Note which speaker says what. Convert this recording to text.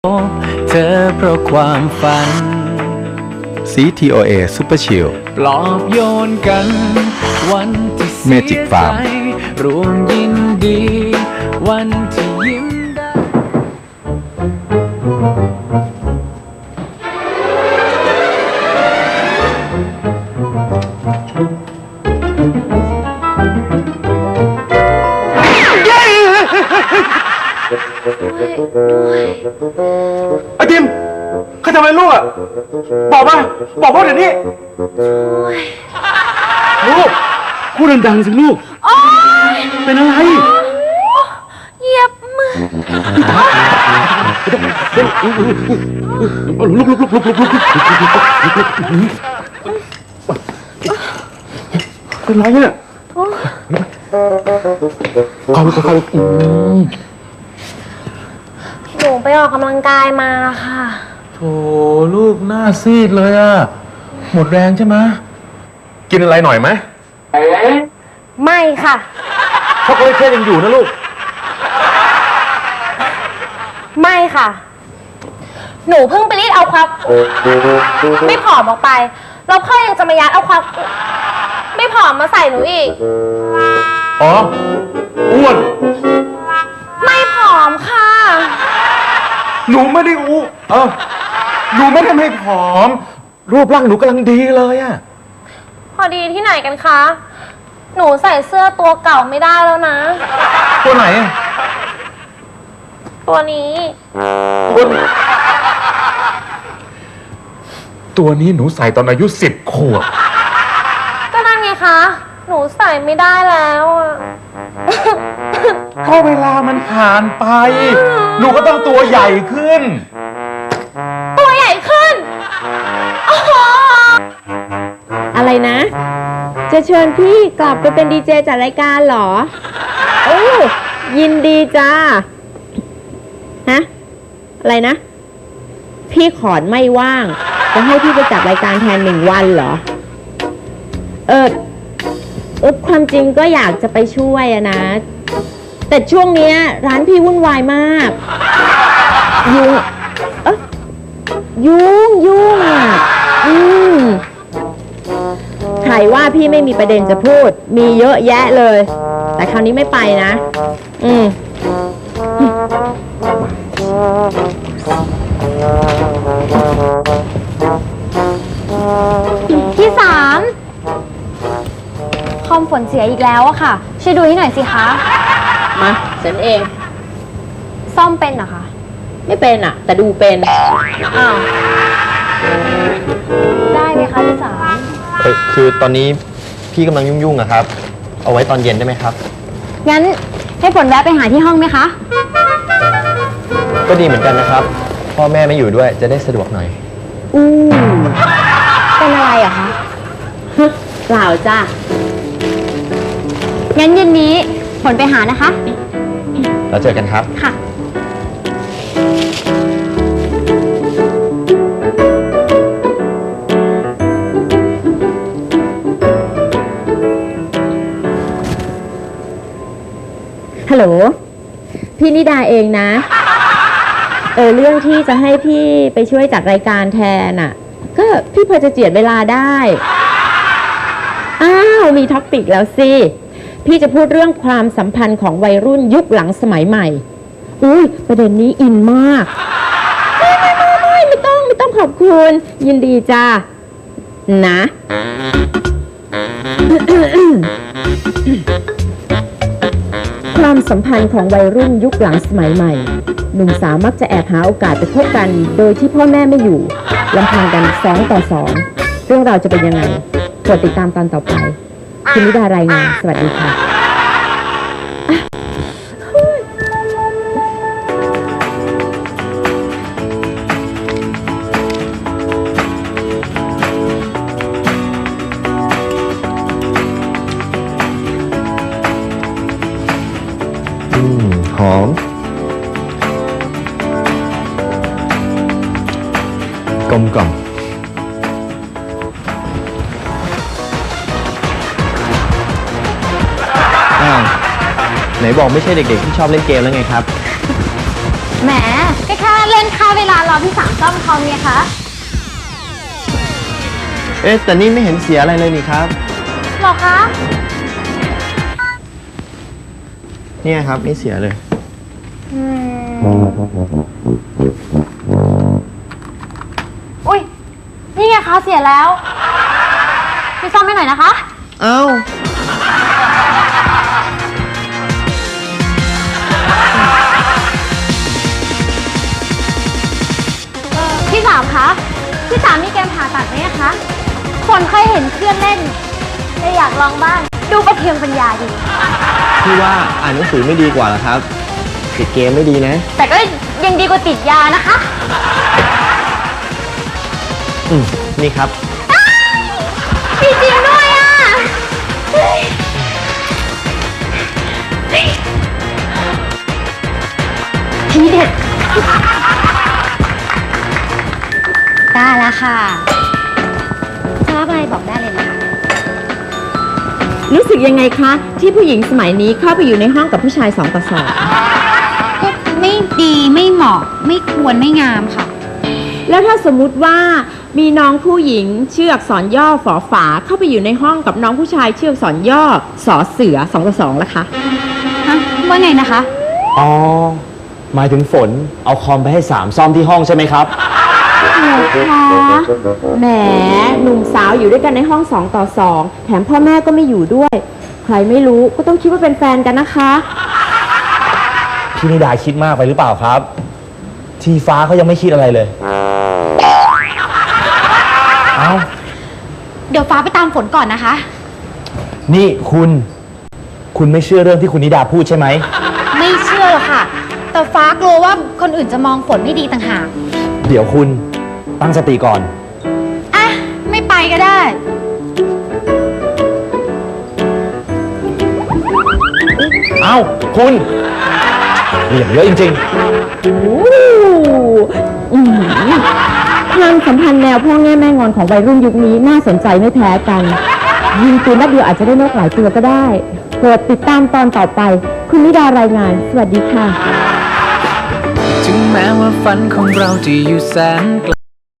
Speaker 1: เธอเพราะความฝัน
Speaker 2: CTOA Super Chill
Speaker 1: ปลอบโยนกันวันที่เสีย
Speaker 2: Magic
Speaker 1: ใจ
Speaker 2: Farm
Speaker 1: รวมยินดี วันที่ยิ้มได้
Speaker 3: ไอ้ทิมใครทำอะไรลูกอ่ะบอกมาบอกพ่อเดี๋ยวนี้ลูกพูดดังๆสิลูกเป็นอะไร
Speaker 4: เหยียบมือ
Speaker 3: ลุกเป็นไรเนี่ยเขา
Speaker 4: หนูไปออกกำลังกายมาค่ะ
Speaker 3: โถลูกหน้าซีดเลยอ่ะหมดแรงใช่ไหมกินอะไรหน่อยไหม
Speaker 4: ไม่ค่ะ
Speaker 3: ช็อกโกแลตเคยังอยู่นะลูก
Speaker 4: ไม่ค่ะ หนูเพิ่งไปรีดเอาความไม่ผอมออกไปแล้วพ่อยังจะมายัดเอาความไม่ผอมมาใส่หนูอีก
Speaker 3: อ๋ออ้วน
Speaker 4: ไม่ผอมค่ะ
Speaker 3: หนูไม่ได้หนูไม่ได้ไม่ผอม รูปร่างหนูกำลังดีเลยอะ
Speaker 4: พอดีที่ไหนกันคะ หนูใส่เสื้อตัวเก่าไม่ได้แล้วนะ
Speaker 3: ตัวไหนอะ
Speaker 4: ตัวนี้
Speaker 3: ตัวนี้หนูใส่ตอนอายุ10 ขวบ
Speaker 4: ก็นั่นไงคะ หนูใส่ไม่ได้แล้วอะ
Speaker 3: ก็เวลามันผ่านไป หนูก็ต้องตัวใหญ่ขึ้น
Speaker 4: ตัวใหญ่ขึ้นอ๋อ
Speaker 5: อะไรนะ จะเชิญพี่กลับไปเป็นดีเจจัดรายการเหรอ โอ้ยินดีจ้า ฮะ อะไรนะ พี่ขอนไม่ว่าง จะให้พี่ไปจัดรายการแทน1 วันเหรอ ความจริงก็อยากจะไปช่วยอะนะ แต่ช่วงเนี้ยร้านพี่วุ่นวายมาก ยุ่งอ่ะใครว่าพี่ไม่มีประเด็นจะพูด มีเยอะแยะเลย แต่คราวนี้ไม่ไปนะ
Speaker 4: ที่3คอมฝนเสียอีกแล้วอะค่ะ ช่วยดูให้หน่อยสิคะ
Speaker 5: มาฉันเอง
Speaker 4: ซ่อมเป็นเหรอคะ
Speaker 5: ไม่เป็นอ่ะ แต่ดูเป็น
Speaker 4: อ้าว ได้ไหมคะที่3
Speaker 6: คือตอนนี้พี่กำลังยุ่งๆอะครับ เอาไว้ตอนเย็นได้ไหมครับ
Speaker 4: งั้นให้ฝนแวะไปหาที่ห้องไหมคะ
Speaker 6: ก็ดีเหมือนกันนะครับ พ่อแม่ไม่อยู่ด้วยจะได้สะดวกหน่อย
Speaker 4: เป็นอะไรอะคะ
Speaker 5: เปล่าจ้ะ
Speaker 4: งั้นเย็นนี้ฝนไปหานะคะ
Speaker 6: แล้วเจอกันครับ
Speaker 4: ค่ะ
Speaker 5: ฮัลโหล พี่นิดาเองนะ เรื่องที่จะให้พี่ไปช่วยจัดรายการแทนอ่ะ ก็พี่พอจะเจียดเวลาได้ อ้าว มีท็อปปิกแล้วสิ พี่จะพูดเรื่องความสัมพันธ์ของวัยรุ่นยุคหลังสมัยใหม่ อุ้ยประเด็นนี้อินมากไม่ต้องขอบคุณ ยินดีจ้านะ ความสัมพันธ์ของวัยรุ่นยุคหลังสมัยใหม่ หนุ่มสาวมักจะแอบหาโอกาสไปพบกัน โดยที่พ่อแม่ไม่อยู่ลำพังกัน2 ต่อ 2เรื่องราวจะเป็นยังไงโปรดติดตามตอนต่อไปคุณนิดารายงานสวัสดีค่ะ
Speaker 6: หอม กลมกล่อมอ้าว ไหนบอกไม่ใช่เด็กๆที่ชอบเล่นเกมแล้วไงครับ
Speaker 4: แหมก็แค่เล่นค่าเวลารอพี่สามซ่อมคอมไงคะ
Speaker 6: เอ๊ะแต่นี่ไม่เห็นเสียอะไรเลยนี่ครับ
Speaker 4: หรอคะ
Speaker 6: เนี่ยครับไม่เสียเลย
Speaker 4: อุ้ยนี่ไงคะเสียแล้วไปซ่อมให้หน่อยนะคะ
Speaker 6: เอ้า
Speaker 4: พี่สามคะพี่สามมีเกมผ่าตัดไหมคะคนเคยเห็นเครื่องเล่นเลยอยากลองบ้างดูประเทืองปัญญาดี
Speaker 6: พี่ว่าอ่านหนังสือไม่ดีกว่าเหรอครับ ติดเกมไม่ดีนะ
Speaker 4: แต่ก็ยังดีกว่าติดยานะคะ
Speaker 6: นี่ครับ
Speaker 4: มีจริงด้วยอ่ะทีเด็ดได้แล้วค่ะชอบอะไรบอกได้เลยนะคะ
Speaker 5: รู้สึกยังไงคะ ที่ผู้หญิงสมัยนี้เข้าไปอยู่ในห้องกับผู้ชาย2 ต่อ
Speaker 4: ก็ไม่ดีไม่เหมาะไม่ควรไม่งามค่ะ
Speaker 5: 2แล้วถ้าสมมุติว่ามีน้องผู้หญิงชื่ออักษรย่อฝอฝาเข้าไปอยู่ในห้องกับน้องผู้ชายชื่ออักษรย่อสอเสือ2 ต่อ 2ล่ะคะ
Speaker 4: ฮะ ว่าไงนะคะ
Speaker 7: อ๋อ หมายถึงฝนเอาคอมไปให้3ซ่อมที่ห้องใช่ไหมครับ
Speaker 5: แหมหนุ่มสาวอยู่ด้วยกันในห้อง2 ต่อ 2แถมพ่อแม่ก็ไม่อยู่ด้วย ใครไม่รู้ก็ต้องคิดว่าเป็นแฟนกันนะคะ
Speaker 7: พี่นิดาคิดมากไปหรือเปล่าครับ ทีฟ้าเขายังไม่คิดอะไรเลย เอ้า
Speaker 4: เดี๋ยวฟ้าไปตามฝนก่อนนะคะ
Speaker 7: นี่คุณไม่เชื่อเรื่องที่คุณนิดาพูดใช่ไหม
Speaker 4: ไม่เชื่อหรอกค่ะ แต่ฟ้ากลัวว่าคนอื่นจะมองฝนไม่ดีต่างหาก
Speaker 7: เดี๋ยวคุณตั้งสติก่อน
Speaker 4: อ่ะ ไม่ไปก็ได้
Speaker 7: เอ้า คุณเหลี่ยมเยอะจริง
Speaker 5: ความสัมพันธ์แนวพ่อแง่แม่งอนของวัยรุ่นยุคนี้น่าสนใจไม่แพ้กัน ยิงปืนนัดเดียวอาจจะได้นกหลายตัวก็ได้โปรดติดตามตอนต่อไป คุณนิดารายงาน สวัสดีค่ะ
Speaker 1: ถึงแม้ว่าฝันของเราจะอยู่แสนไกล